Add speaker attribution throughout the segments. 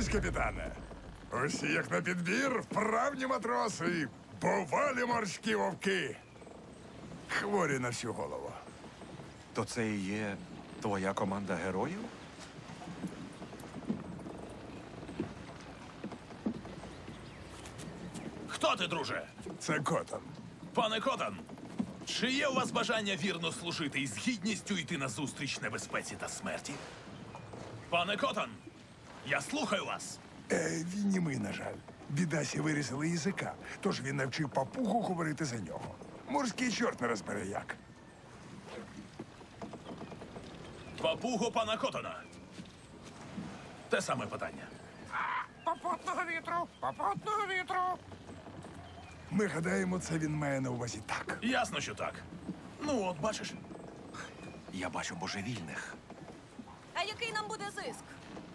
Speaker 1: Готуйтесь, капітане. Усі, як на підбір, вправні матроси, бувалі морські вовки. Хворі на всю голову.
Speaker 2: То це і є твоя команда героїв?
Speaker 3: Хто ти, друже?
Speaker 1: Це Котон.
Speaker 3: Пане Котан, чи є у вас бажання вірно служити і з гідністю йти на зустріч небезпеці та смерті? Пане Котан, я слухаю вас.
Speaker 1: Він німий, на жаль. Бідасі вирізали язика, тож він навчив папугу говорити за нього. Морський чорт не розбере як.
Speaker 3: Папуго пана Котана. Те саме питання.
Speaker 1: Попутного вітру! Попутного вітру! Ми гадаємо, це він має на увазі так.
Speaker 3: Ясно, що так. Ну, от бачиш.
Speaker 2: Я бачу божевільних.
Speaker 4: А який нам буде зиск?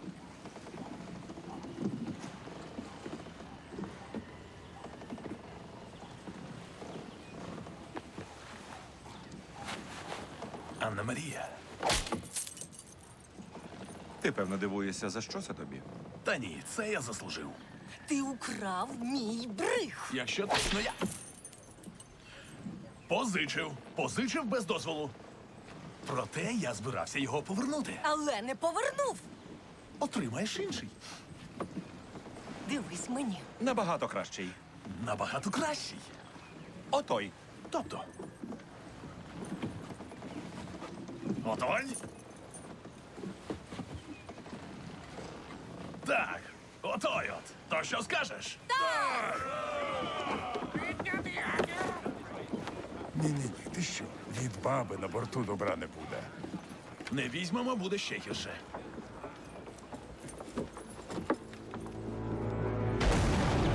Speaker 3: Анна Марія.
Speaker 2: Ти, певно, дивуєшся, за що це тобі?
Speaker 3: Та ні, це я заслужив.
Speaker 4: Ти украв мій бриг.
Speaker 3: Якщо точно я. Позичив без дозволу. Проте я збирався його повернути.
Speaker 4: Але не повернув.
Speaker 3: Отримаєш інший.
Speaker 4: Дивись мені.
Speaker 2: Набагато кращий.
Speaker 3: Набагато кращий.
Speaker 2: Отой.
Speaker 3: Тобто. Готовий? Так, отой от. То що скажеш?
Speaker 1: Ні-ні-ні, ти що? Від баби на борту добра не буде.
Speaker 3: Не візьмемо, буде ще гірше.